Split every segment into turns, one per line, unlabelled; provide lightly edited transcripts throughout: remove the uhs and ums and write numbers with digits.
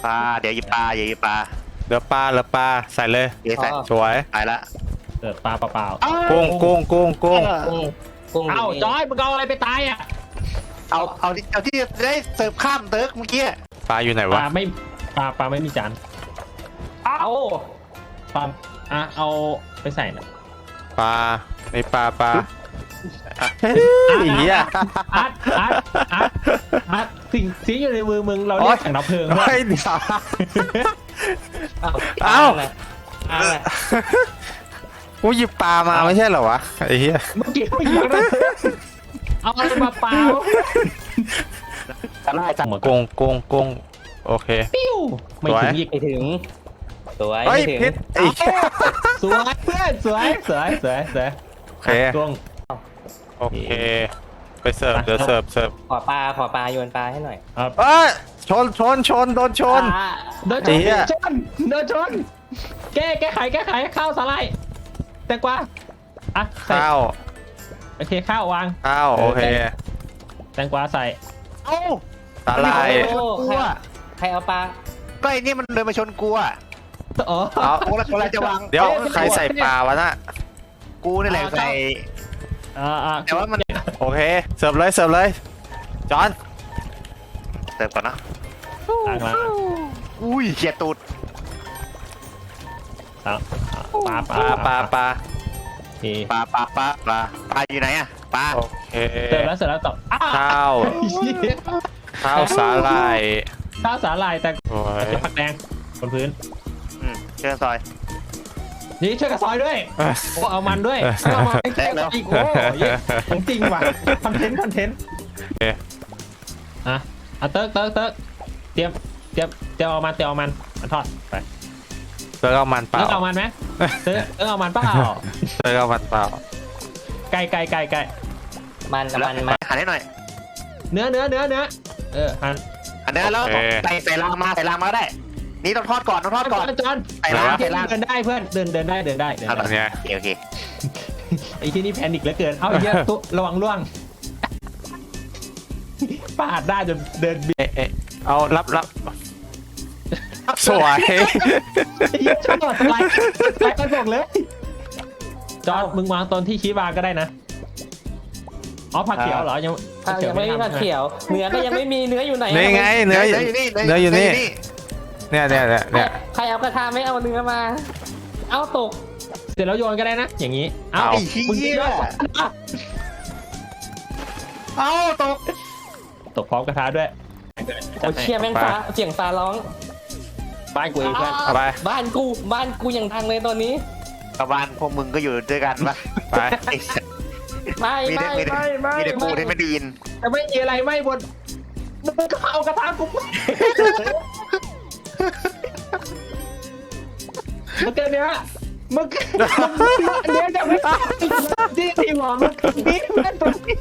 ปลาเดี๋ยวหยิบปลาเดี๋ยวหยิบปลา
เหลือปลาใส่เลย
เดี๋ยวใส่
สวย
ไปละ
เกิดปลาเปล่า
กุ้ง
กุ้ง
เอ้าจอยมึงเอาอะไรไปตายอ่ะ
เอาที่ได้เสิร์ฟข้ามเติร์กเมื่อกี้
ปลาอยู่ไหน
ป
วะ
ลาไม่มีจาน
เอา
ปลาเอาไปใส่นะ
ปลาในปลาอีอ่ะ
อาร์ตสิ่งอยู่ในมือมึงเราเรียกถังดับเพลิงว่า
เฮ้ยเดี๋ยว
เอา
เอ้า กูหยิบปลามาไม่ใช่เหรอวะไอ้เหี้ย
เมื่อกี้ไม่ยิงนะเอาอะไรมาเปล่า
จะไล่จัง
กุ้งโอเค
ปิ้วไม่ถึงอีก
ไปถึงสวย
เฮ้ย
ไม่ถึง
พิษไอ้เหี้ย
สวยเพื่อนสวย
โอเค
ช่วง
โอเคไปเสิร์ฟเดี๋ยวเสิร์ฟ
ขอปลาโยนปลาให้หน่อย
เอ้ยชนโดนชน
โดนชนแก้ไขข้าวสาลายแตงกวาอ่ะใส่
ข้าว
โอเคข้าววาง
โอเค
แตงกวาใส่
เอ้า
สาหร่าย
โอ้ใครเอาปลา
ก็ไอ้นี่มันเดินมาชนกูอ่ะ
อ๋อ
เอา
โอ้แล้วอะไรจะวาง
เดี๋ยวใครใส่ปลาวะน่ะ
กูนี่แหละใส่แต่ว่ามัน
โอเคเสิร์ฟเลยจอน
เสิร์ฟก่อนนะ
ล้าง
อุ้ยเฉียดตูด
ปลา
ปลา
โอเค
ปลาอยู่ไหนอ่ะปลา
โอเค
เสร็จแล้วต่อ
ข้าวสาหร่าย
ข้าวสาลายแต่
โอ้ย
จะผักแดงบนพื้น
เชิญซอย
นี่ช่วยกับซอยด้วยโอ้เอามันด้วยเอามาแข่งอีกโอ้ยของจริงว่ะคอนเทนต์อ่ะเติร์กเตรียมเอามันทอดไป
เติร์กเอามันเปล่า
เอามันไหมเติร์กเอามันเปล่า
เติร์กเอามันเปล่า
ไก่
มัน
หันให้หน่อย
เนื้อหั่น
หันได้แล้วใส่รางมาก็ได้นี่ต้องทอดก่อน
จอน
ใส่ราง
เดินได้เพื่อนเดินได้
อันเนี้ย
โอเค
ไอ้ที่นี่แพนิคเหลือเกินเอาไอ้เหี้ยตุ๊ระวังล่วงปาดได้จนเดินบิด
เอ๊ะเอารับสวย
ไอ้เหี้ยชอบสไลด์กันบอกเลยจอนมึงวางตอนที่ชี้วางก็ได้นะอ๋อผักเขียวเหรอยัง
ยังไม่มีผักเขียวเนื้อก็ยังไม่มีเนื้ออยู่ไหน
นี่ไงเนื้ออยู่นี่เนี่ย
ใครเอากระทะไม่เอาเนื้อมา เอาตก
เสร็จแล้วโยนก็ได้นะอย่างนี้เอา
ไอ้
มึง
เหี้ย
โยน
เอาตก
พร้อมกระทะด้วย
โอ้เชี่ยแม่งฟ้าเสียงฟ้าร้อง
บ้านกูเองเพื่อน
เอาไป
บ้านกูอย่างดังเลยตอนนี้
กระบาลพวกมึงก็อยู่ด้วยกันปะ
ไป
ไม่
มีแต่กูที่ไม่ดีน
แต่ไม่มีอะไรไม่บนมึงก็เอากระทะกูมันเกินเนี้ยมึงเนี้ยจะไม่ที่หัวมึงนี่เพื่อนตัวนี้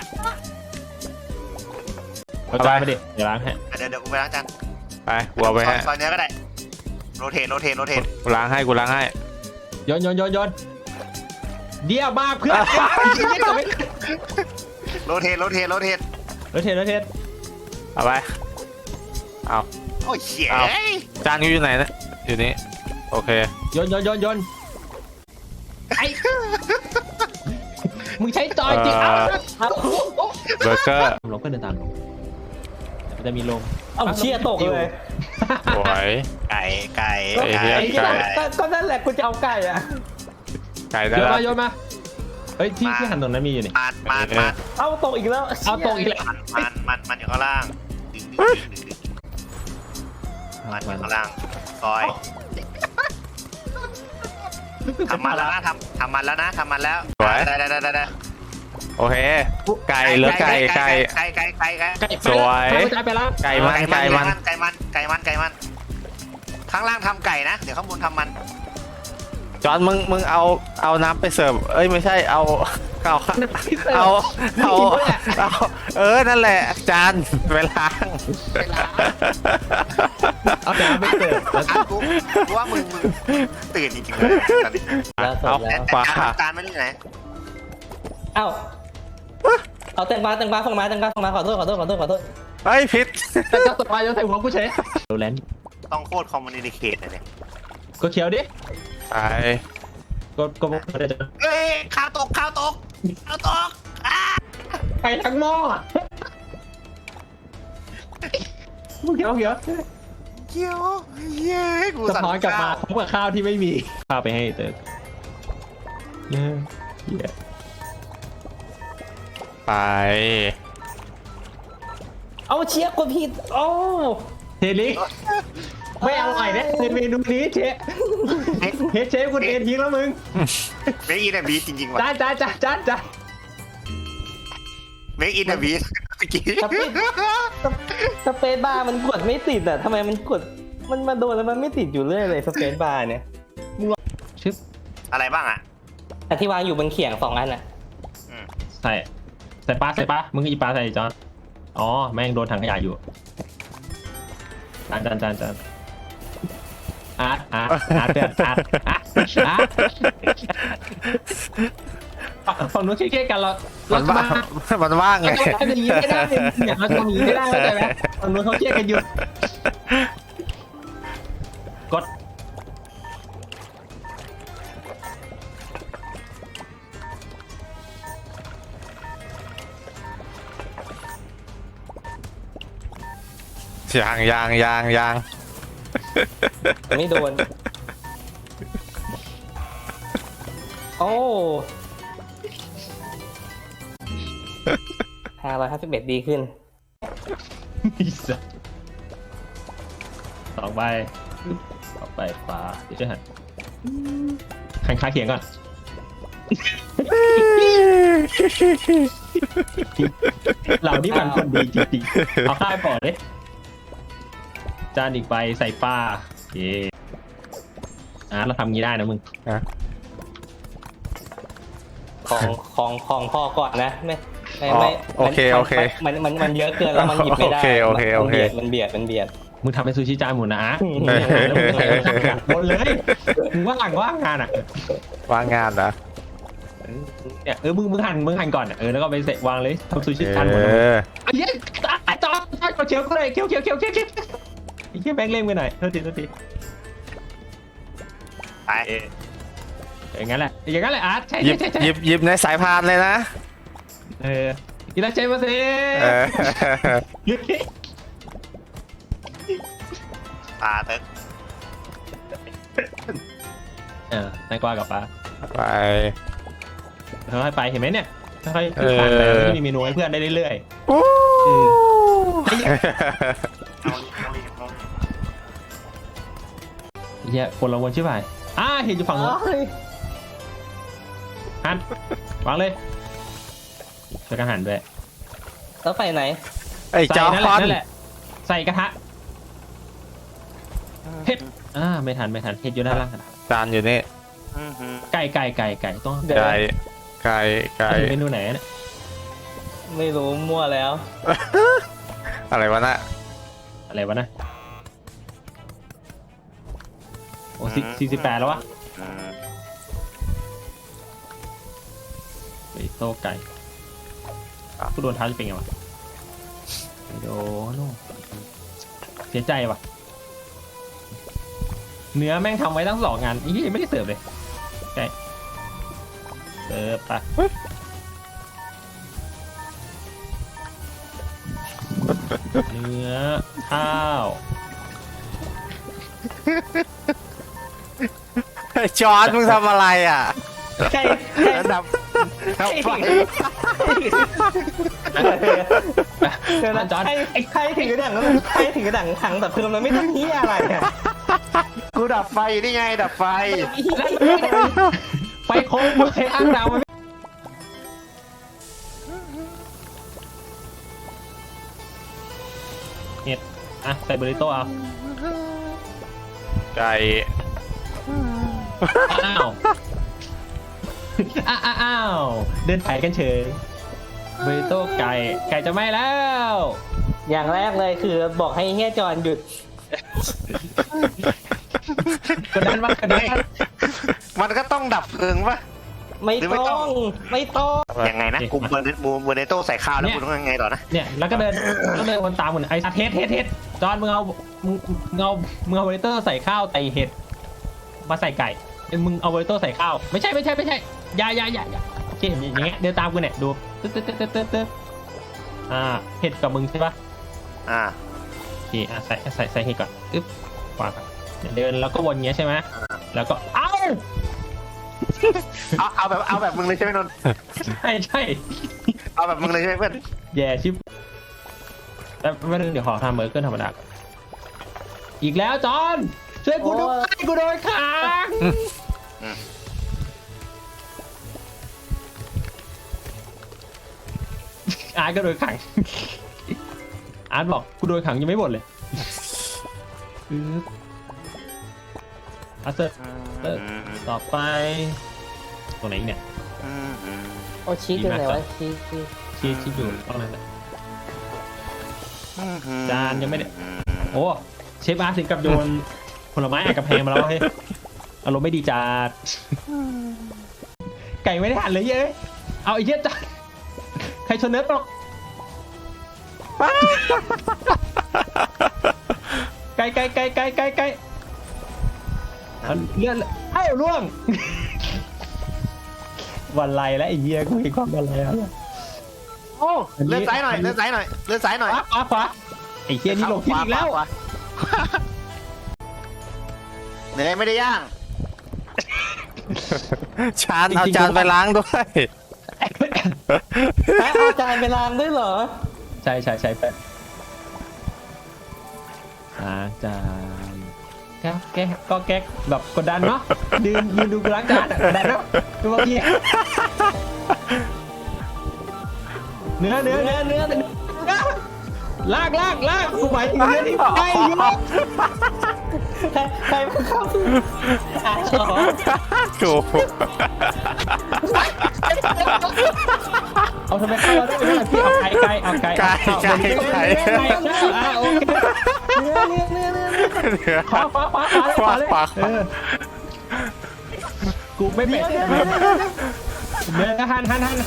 เอาจานมาดิเดี๋ยวล้างให้
เดี๋ยวกูไปล้างจาน
ไปหัวไปฮะ
ซอยเนื้อก็ได้โรเทต
กูล้างให้
โยนเดี๋ยวมากเพื่อน
โรเทต
รถเทส
เอาไปเอา
โอ้ยเชี่ย
จานอยู่ไหนนะอยู่นี่โอเค
โยนไอ้มึงใช้จอยจริงเอา
เบอร์เกอร์
ลงก็เดินตามลงมันจะมีลง
เอาเชี่ยตกเลย
สวย
ไก่
ก็นั่นแหละกูจะเอาไก่อะ
ไก่ได้แล้ว
โยนมาเฮ้ยที่หันตรงนั้นมีอยู่นี่
มัน
เอาตกอีกแล้ว
เอาตกอีกแล้ว
มันอยู่ข้างล่างมันอยู่ข้างล่างซอยทำมันแล้วนะทำมันแล้วได้
โอเคไก่เหลือไก่ สวย
ไปแล้ว
ไก่มัน
ข้างล่างทำไก่นะเดี๋ยวข้างบนทำมัน
จอนมึงเอาน้ำไปเสิร์ฟเอ้ยไม่ใช่เอานั่นแหละจานไปล้าง
เอาแต่ไม่เกิด
กูว่ามึงตื่นจริงๆเลยตอนนี้
แล้วตกแล้ว
จานไม่ได้ไหน
เอาแตงกวาส่งมาขอโทษ
เฮ้ยผิด
แต่ก็ตกมาโยนใส่หัวกูเฉยโรแลนด์
ต้องโคตรคอมมูนิเคตเลยเนี่ย
กดเขียวดิ
ไป
กดไม่ได้จะ
เฮ้ยข้าวตกอ่า
ไปทั้งหม้อมึงเขียว
เกี่ยวเย้กู
สะ
สั่ง
ท้อนกลับมา
ข้าว
พร้อมกับข้าวที่ไม่มีข้าวไปให้เติร์กเหี้ย
ไป
เอาเชียร์กดผิดโอ้
เทลิไม่อร่อยเนี่ยเมนูนี้เชฟเชฟคุณเอ็นทิ้งแล้วมึง
เมคอินอะบีจริงๆว่ะ
จ้า
เมคอินอะบีเมื่อกี้
สเปซบาร์มันกดไม่ติดอ่ะทำไมมันกดมันมาโดนแล้วมันไม่ติดอยู่เรื่อยเลยสเปซบาร์เนี่ย
ชึบ
อะไรบ้างอ่ะ
แต่ที่วางอยู่บนเขียง2 อันอ่ะ
ใส่ปลามึงก็หยิบปลาใส่จอนอ๋อแม่งโดนถังขยะอยู่จานอาร์ตเพื่อนอาร์ตฝั่งนู้นเครียดกันเรา
มันว่างมันว่างไง
เราทำอย่างนี้ไม่ได้เนี่ยเราทำอย่างนี้ไม่ได้เข้าใจไหมฝั่งนู้นเขาเครียดกันอยู่กด
ยาง
ไม่โดน โอ้551ดีขึ้น
2 ใบต่อไปขวาเดี๋ยวจะหันหันขาเขียงก่อนเรานี่มันคนดีจริงๆเอาข้าวก่อนดิจานอีกใบใส่ปลาโอเคเราทำงี้ได้นะมึง
ของพ่อก่อนนะไม่
โอเค
มันเยอะเกินแล้วมันหยิบไม่ได้
โอเค
มันเบียด
มึงทำเป็นซูชิจานหมูนะหมดเลยมึงว่างงานอ่ะ
ว่างงานนะ
เนี่ยมึงหั่นก่อนแล้วก็ไปเสร็จวางเลยทำซูชิจานหมูนะไอ้เหี้ยจอดเขียวก็เลยเขียวไอ้เหี้ยแบงค์เล่มกันหน่อยโทษที
ไป
อย่างนั้นแหละอาร์ตใช่
หยิบในสายพานเลยนะ
อีลาเจมาเซ่
ปลาเติ๊ก
นายกวากับปลา
ไป
ค่อยๆไปเห็นไหมเนี่ยค่อยๆผ่านไปที่มีเมนูให้เพื่อนได้เรื่อย
โอ้
ๆเหี้ยคนละวนใช่ไหมเห็นอยู่ฝั่งโน้นหันวางเลยช่วยกันหันด้วย
แล้วไปไหน
ไอ้จอ
นั่นแหละใส่กระทะเห็ดไม่ทันเห็ดอยู่ด้านล่าง
จานอยู่นี่
ไก่ต้อง
ไก่
เมนูไหนเนี่ย
ไม่รู้มั่วแล้ว
อะไรวะน่ะ
อะไรวะนะโอ้48แล้ววะไปโต้ไก่ผู้โดนท้าจะเป็นไงวะไปโดนเสียใจว่ะเนื้อแม่งทำไว้ทั้ง2 งานอีไม่ได้เสิร์ฟเลยใช่เสิร์ฟไปเนื้อข้าว
จอนมึงทำอะไรอ่ะ
ใคร
ดับไฟ
เดี๋ยวนะ
จอน
ใครถือกระดังแล้วใครถือกระดังถังแต่คือมันไม่ทำที่อะไรอ่ะ
กูดับไฟนี่ไงดับไฟ
ไฟโค้งมึงใช้อ้างดาวมันเห็ดใส่เบอริโต้เอา
ไก่
อ้าวเดินถ่ายกันเฉยเบอริโต้ไก่จะไหม้แล้ว
อย่างแรกเลยคือบอกให้เฮียจอนหยุด
กดดันมากกดดัน
มันก็ต้องดับเพลิงปะ
ไม่ต้องไม่ต้อง
ยังไงนะกูเบอร์เนโต้ใส่ข้าวแล้วกูต้องยังไงต่อนะ
เนี่ยแล้วก็เดินวนตามเหมือนไอ้เฮ็ดจอนมึงเอาเวอร์เตอร์ใส่ข้าวใส่เห็ดมาใส่ไก่มึงเอาเวอร์เตอร์ใส่ข้าวไม่ใช่อย่าโอเคอย่างเงี้ยเดินตามกูเนี่ยดูตึ๊ดเห็ดกับมึงใช่ปะ
อ่า
โอเคใส่เห็ดก่อนอึ๊บวางก่อนเดินแล้วก็วนเงี้ยใช่ไหมแล้วก็
เอาแบบมึงเลยใช่ไหมนนท์
ใช่
เอาแบบมึงเลยใช่ไหมเพื่อน
แย่ชิบแล้วไม่ต้องเดี๋ยวขอทำเบอร์เกอร์ธรรมดาก่อนอีกแล้วจอนช่วยกูด้วยกูโดนขังอาร์ตก็โดนขังอาร์ตบอกกูโดนขังยังไม่หมดเลยอาร์ตต่อไปตรงไหนอีกเนี่ย
โอ้ชี้อยู่ไหนวะชี้
ชี้อยู่ตรงนั้นแหละจานยังไม่ได้โอ้เชฟอาร์ตถึงกับโยนผลไม้อัดกระแพงมาแล้วเฮ้ยอารมณ์ไม่ดีจัดไก่ไม่ได้หั่นเลยเย้ยเอาไอ้เหี้ยจานใครชนเนื้อตกไก่เลื่อนให้ล่วงวันไรแล้วไอ้เหี้ยกูเห็นความวันไรแล้ว
โอ้เลื่อนซ้ายหน่อย
ขวาไอ้เหี้ยนี่ลงที่อีกแล้ว
เนื้อไม่ได้ย่าง
ชานเอาจานไปล้างด้วย
เอาจานไปล้างด้วยเหรอ
ใช่แป๊บจานแกแบบกดดันเนาะยืนดูกูล้างจานกดดันเนาะดูเมื่อกี้เนื้อลากกูหมายถึงเนื้อที่ใกล้อยู่
ใครมาเข้าชอบ
โอ้โห
เอาทำไมเข้ามาได้ไม่ได้พี่เอาไก่โอเคขวาเลยกูไม่เป็ดเนื้อหัน